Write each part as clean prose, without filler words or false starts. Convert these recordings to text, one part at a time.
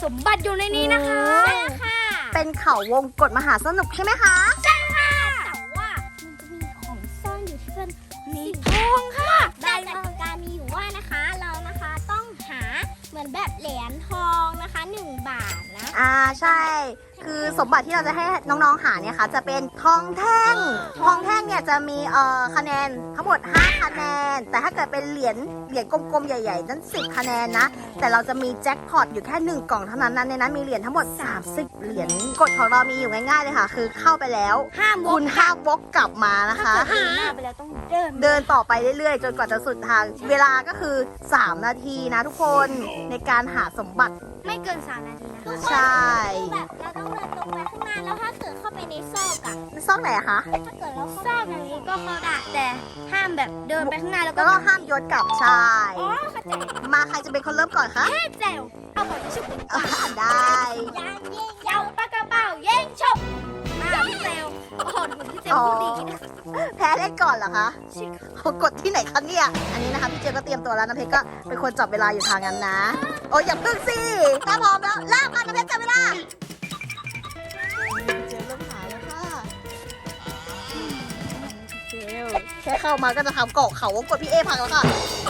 มบัติอยู่ในนี้นะคะใช่ค่ะเป็นเขาวงกตมหาสนุกใช่ไหมคะใช่ค่ะแต่ว่ามันจะมีของซ่อนอยู่ที่เป็นมีทองค่ะได้กติกามีอยู่ว่านะคะเรานะคะต้องหาเหมือนแบบเหรียญทองนะคะ1 บาทนะใช่คือสมบัติที่เราจะให้น้องๆหาเนี่ยค่ะจะเป็นทองแท่งเนี่ยจะมีคะแนนทั้งหมด5คะแนนแต่ถ้าเกิดเป็นเหรียญกลมๆใหญ่ๆนั้น10คะแนนนะแต่เราจะมีแจ็คพอตอยู่แค่1 กล่องเท่านั้นในนั้นมีเหรียญทั้งหมด30เหรียญกฎของเรามีอยู่ง่ายๆเลยค่ะคือเข้าไปแล้วคุณห้ามวกกลับมานะคะหน้าไปแล้วต้องเดินต่อไปเรื่อยๆจนกว่าจะสุดทางเวลาก็คือ3นาทีนะทุกคนในการหาสมบัติไม่เกิน3นาทีนะคะใช่แบบเราต้องเดินตรงไปข้างหน้าแล้วถ้าเกิดเข้าไปในซอกอะซอกไหนอะคะถ้าเกิดเราซอกอย่างนี้ก็เข้าได้แต่ห้ามแบบเดินไปข้างหน้าแล้วก็ห้ามย้อนกลับใช่มาใครจะเป็นคนเริ่มก่อนคะแจ๋วเอาก่อนชุบได้ยังยิงยาวปากกระเป๋าเย่งชุบพี่เซลโอ้โหพี่เซลพูดดีแพ้เล่นก่อนเหรอคะเขากดที่ไหนคะเนี่ยอันนี้นะคะพี่เจก็เตรียมตัวแล้วน้ำเพชรก็เป็นคนจับเวลาอยู่ทางนั้นนะโอ้ยอย่าพึ่งสิถ้าพร้อมแล้วเริ่มค่ะน้ำเพชรจับเวลาเจเริ่มหาแล้วค่ะเจแค่เข้ามาก็จะทำเกาะเขาวงกดพี่เอพังแล้วค่ะ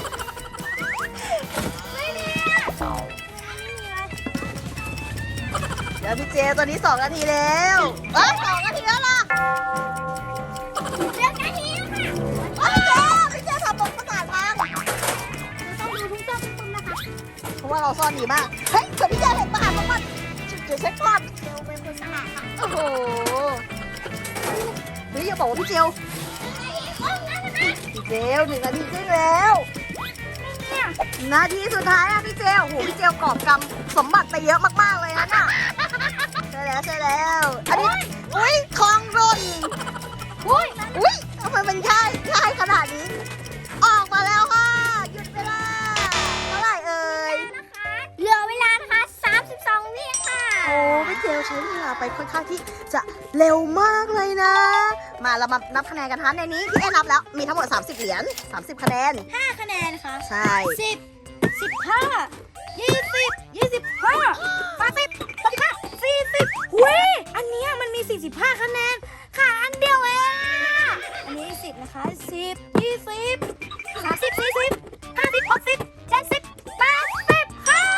เดี๋ยวพี่เจตอนนี้2 นาทีแล้ว2 นาทีแล้วล่ะ 1 นาทีแล้วค่ะพี่เจทำบทประกาศมาต้องดูทุกเจ้าทุกคนนะคะเพราะว่าเราซ่อนดีมากเฮ้ยเกิดพี่เจเห็นประกาศของมันเดี๋ยวเช็คก่อนเจลเป็นคนสละค่ะโอ้โหนี่อย่าบอกว่าพี่เจลพี่เจล1 นาทีครึ่งแล้วนาทีสุดท้ายอะพี่เจลโอ้โหพี่เจลกอบกำสมบัติไปเยอะมากๆเลยนะน่ะใช่แล้วอันนี้อุ้ยคลองร่นอุ้ยทำไมมันง่ายขนาดนี้ออกมาแล้วค่ะหยุดเวลาเท่าไหร่เอ่ยเหลือเวลานะคะ32 วิค่ะโอ้พี่เจลใช้เวลาไปค่อนข้างที่จะเร็วมากเลยนะมาเรามานับคะแนนกันทันในนี้พี่เอนับแล้วมีทั้งหมด30 เหรียญ30 คะแนน 5 คะแนนค่ะใช่ 10 15 20 25 30 35 40หุยอันนี้มันมี45 คะแนนค่ะอันเดียวเองอันนี้10นะคะ10 20 30 40 50 60 70 80ค่ะ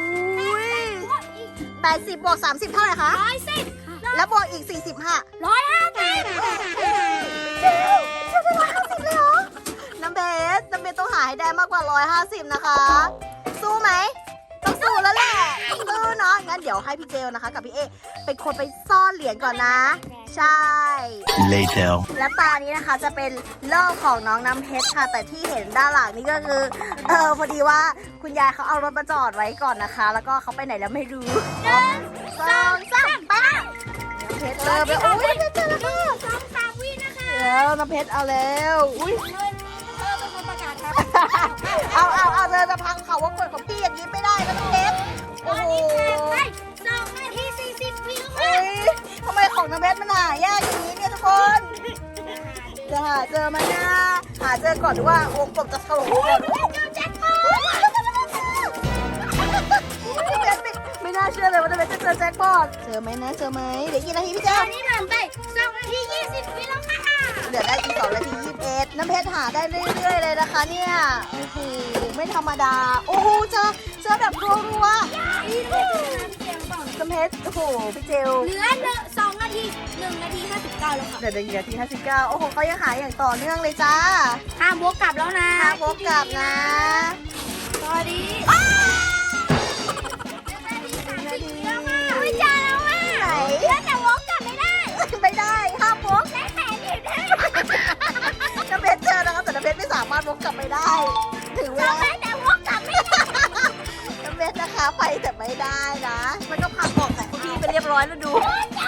80บวก30เท่าไหร่คะ 110 แล้วบวกอีก40ค่ะ 150 เจ๊จะ150เลยเหรอน้ำเบสต้องหาให้ได้มากกว่า150นะคะสู้ไหมต้องสู้แล้วแหละสู้เนาะงั้นเดี๋ยวให้พี่เจลนะคะกับพี่เอเป็นคนไปซ่อนเหรียญก่อนนะใช่ Later และตานี้นะคะจะเป็นเล่าของน้องน้ำเพชรค่ะแต่ที่เห็นด้านหลังนี่ก็คือพอดีว่าคุณยายเขาเอารถมาจอดไว้ก่อนนะคะแล้วก็เขาไปไหนแล้วไม่รู้1 2 3ไปน้ำเพชรเจอไปโอ้ยเจอแล้วค่ะ 2 3 วินะคะแล้วน้ำเพชรเอาแล้วอุ้ยเป็นคนประกาศครับเอาเธอจะพังเขาว่ากดของพี่อย่างนี้ไม่ได้นะน้ำเพชรโอ้โห 2 นาที 40 วิค่ะทำไมของน้ำเพชรมันหายากอย่างนี้เนี่ยทุกคนจะหาเจอไหมนะหาเจอก่อนหรือว่าวงกลมจะถล่มก่อนไม่น่าเชื่อเลยว่าน้ำเพชรจะเจอแจ็คพอตเจอไหมนะเจอไหมเดี๋ยวกี่นาทีพี่เจอตอนนี้ผ่านไป2 นาที 20 วิแล้วค่ะเดี๋ยวได้อีก2 นาที 21น้ำเพชรหาได้เรื่อยๆเลยนะคะเนี่ยโอ้โหไม่ธรรมดาโอ้โหเจอแบบรัวน้ำเพชรโอ้โหพี่เจลเหลือ2 นาที1 นาที 59แล้วค่ะเดี๋ยว1 นาที 59โอ้โหเขายังหาอย่างต่อเนื่องเลยจ้าห้ามวกกลับแล้วนะห้ามวกกลับนะสวัสดีไม่จ้าแล้วอ่ะไหนแต่วกกลับไม่ได้ห้ามวกได้แต่หนีได้น้ำเพชรเจอนะคะแต่น้ำเพชรไม่สามารถวกกลับไปได้ถึงเวลาแต่วกกลับไม่ได้น้ำเพชรนะคะไปแต่ไม่ได้นะมันก็พังออกของพี่ไปเรียบร้อยแล้วดู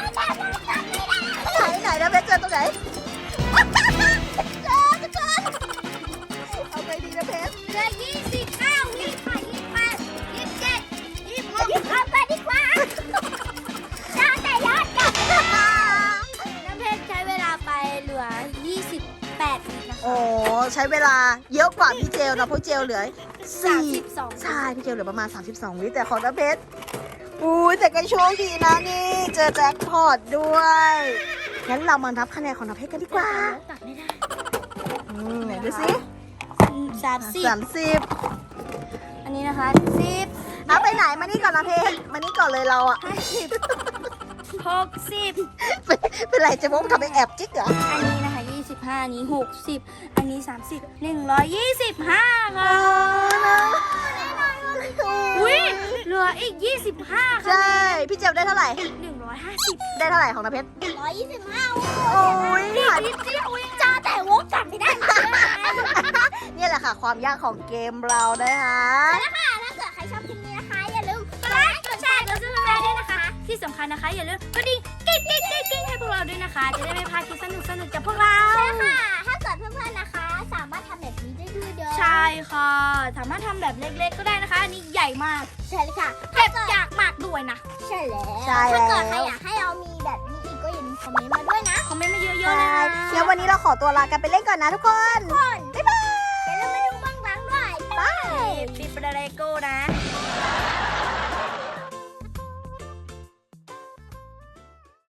ไหนน้ำเพชรเจอตรงไหนเอาไปดีน้ำเพชรเหลือ29 วิค่ะ28 27 26เอาไปดีกว่าแต่ยอดกลับน้ำเพชรใช้เวลาไปเหลือ28 วินะคะโอ้ใช้เวลาเยอะกว่าพี่เจลนะเพราะเจลเหลือ 32 ใช่พี่เจลเหลือประมาณ32 วิแต่ของน้ำเพชรอุ้ยแต่ก็โชคดีนะนี่ เจอแจ็คพอตด้วย งั้นเรามานับคะแนนของน้ำเพชรกันดีกว่าตัดไม่ได้ไหนดูสิ 30 30 อันนี้นะคะ10 เอาไปไหนมานี่ก่อนนะเพชรมานี่ก่อนเลยเราอะ 50 60 เป็นไรเจะมกทำเป็นแอบจิ๊กเหรออันนี้นะคะ25อันนี้60อันนี้30 125ค่ะอุ้ยเหลืออีก25 ใช่ค่ะพี่เจลได้เท่าไหร่ 150 ได้เท่าไหร่ของน้ำเพชร 125 โอ้ยนิดเดียวเองจ้าแต่วกกลับไม่ได้เนี่ยแหละค่ะ ความยากของเกมเรานะคะถ้าเกิดใครชอบคลิปนี้นะคะ อย่าลืมกดไลค์กดแชร์กดซับสไครต์ด้วยนะคะ ที่สำคัญนะคะ อย่าลืมกดดิ่งกิ๊งให้พวกเราด้วยนะคะ จะได้ไม่พลาดคลิปสนุกจากพวกเราใช่ค่ะ ถ้าเกิดเพื่อนๆนะคะ สามารถทำแบบนี้ได้ด้วยเด้อใช่ค่ะ สามารถทำแบบเล็กๆก็ได้นะคะ อันนี้ใหญ่มากใช่เลยค่ะเก็บอยากมากด้วยนะใช่แล้วใช่แล้วถ้าเกิดใครอยากให้เรามีแบบนี้อีกก็อย่าลืมคอมเมนต์มาด้วยนะคอมเมนต์มาเยอะๆใช่เลยนะเดี๋ยววันนี้เราขอตัวลากันไปเล่นก่อนนะทุกคน บ๊ายบายอย่าลืมมาดูบ้างหลังด้วยปิดประเดโก้นะ